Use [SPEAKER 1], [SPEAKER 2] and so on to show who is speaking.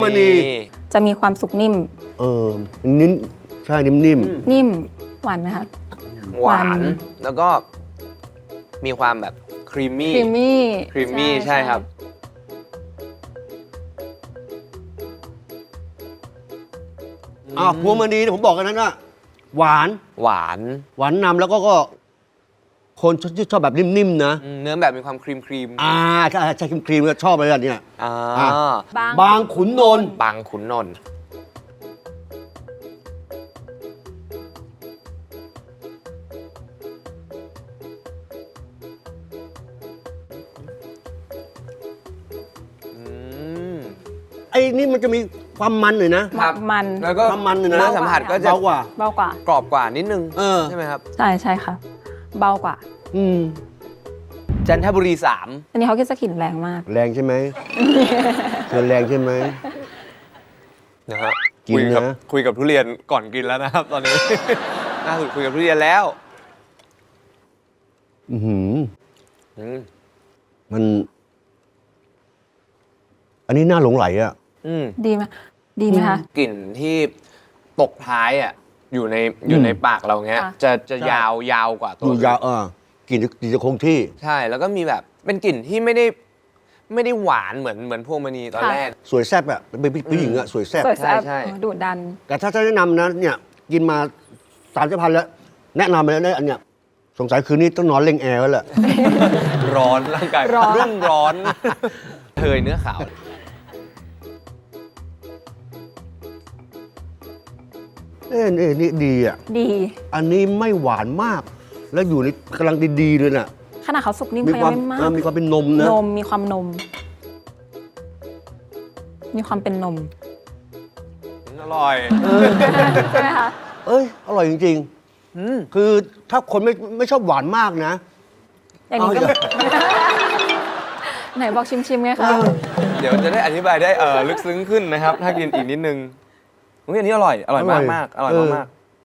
[SPEAKER 1] มันนี
[SPEAKER 2] จะมีความสุกนิ่ม
[SPEAKER 1] นิ่มใช่นิ่ม
[SPEAKER 2] นิ่มหวานไหมคะ
[SPEAKER 3] หวาน
[SPEAKER 2] หวาน
[SPEAKER 3] แล้วก็มีความแบบครีมมี่
[SPEAKER 2] ครีมมี่
[SPEAKER 3] ครีมมี่ใช่ครับ
[SPEAKER 1] พวงมณีผมบอกกันนั้นว่าหวาน
[SPEAKER 3] หวาน
[SPEAKER 1] หวานนำแล้วก็คนชอบแบบนิ่มๆนะ
[SPEAKER 3] เนื้อแบบมีความครีม
[SPEAKER 1] ใช่ครีมๆก็ชอบอะไรแบบเนี้ย
[SPEAKER 3] อ่า
[SPEAKER 1] บางขุนนนท์
[SPEAKER 3] บางขุนนนท์อืม
[SPEAKER 1] ไอ้นี่มันจะมีความมันหน่อยนะ
[SPEAKER 3] ครับ
[SPEAKER 2] มัน
[SPEAKER 3] แล้วก็
[SPEAKER 1] ความมันเลยนะ
[SPEAKER 3] เนื้อสัมผัสก็จะ
[SPEAKER 1] เบากว่า
[SPEAKER 2] เบากว่า
[SPEAKER 3] กรอบกว่านิดนึง
[SPEAKER 1] ใช่
[SPEAKER 3] ใช่ไหมครับ
[SPEAKER 2] ใช่ใช่ค่ะ เบากว่า
[SPEAKER 3] จันทบุรี
[SPEAKER 2] อันนี้เขาคิดสกลิ่นแรงมาก
[SPEAKER 1] แรงใช่ไหมเธอแรงใช่ไหม
[SPEAKER 3] 3นะฮะ
[SPEAKER 1] กินนะ
[SPEAKER 3] คุยกับทุเรียนก่อนกินแล้วนะครับ ตอนนี้ ล่าสุดคุยกับทุเรียนแล้ว
[SPEAKER 1] อือหือ
[SPEAKER 3] อืม
[SPEAKER 1] มัน อันนี้น่าหลงไหลอ่ะ
[SPEAKER 3] อืม
[SPEAKER 2] ดีไหมดีไหมคะ
[SPEAKER 3] กลิ่นที่ตกท้ายอ่ะอยู่ในปากเราเงี้ย
[SPEAKER 2] ค่ะ
[SPEAKER 3] จะ
[SPEAKER 1] ใช่
[SPEAKER 3] ยาวกว่าตัว
[SPEAKER 1] อยู่ยาวกลิ่นจะคงที่
[SPEAKER 3] ใช่แล้วก็มีแบบเป็นกลิ่นที่ไม่ได้หวานเหมือนพวงมณีตอนแรก
[SPEAKER 1] สวยแซ่บอ่ะเป็นผู้หญิงอ่ะสวยแซ่บ
[SPEAKER 2] สวยแซ่บ
[SPEAKER 3] ใช่
[SPEAKER 2] ดุดัน
[SPEAKER 1] แต่ถ้าจะแนะนำนะเนี่ย กินมา30,000แล้ว แนะนำไปแล้วเนี่ยอันเนี้ยสงสัยคืนนี้ต้องนอนเล่งแอร์แล้วแหละ
[SPEAKER 3] ร้อนร่างกาย
[SPEAKER 2] ร้อน
[SPEAKER 3] รุ่มร้อนเทยเนื้อขาว
[SPEAKER 1] นี่ดีอ่ะ
[SPEAKER 2] ดี
[SPEAKER 1] อันนี้ไม่หวานมาก แล้วอยู่ในกำลังดีๆเลยน่ะ
[SPEAKER 2] ขนาดเขาสุกนิ่ม
[SPEAKER 1] มี
[SPEAKER 2] เขา
[SPEAKER 1] ค
[SPEAKER 2] ยั
[SPEAKER 1] วาม
[SPEAKER 2] งไม่มาก
[SPEAKER 1] มีความเป็นนมนะ
[SPEAKER 2] นมมีความนม มีความเป็นนม
[SPEAKER 3] อร่อย
[SPEAKER 2] ใช่ไหมคะ
[SPEAKER 1] เอ้ย อร่อยจริง
[SPEAKER 3] อืม
[SPEAKER 1] ๆ คือถ้าคนไม่ชอบหวานมากนะ
[SPEAKER 2] อย่างนี้ก็ ไหนบอกชิมๆไงคะ
[SPEAKER 3] เดี๋ยวจะได้อธิบายได้ลึกซึ้งขึ้นนะครับ ถ้ากินอีกนิดนึงอุ๊ยอันนี้อร่อยมากๆอร่อยมากๆ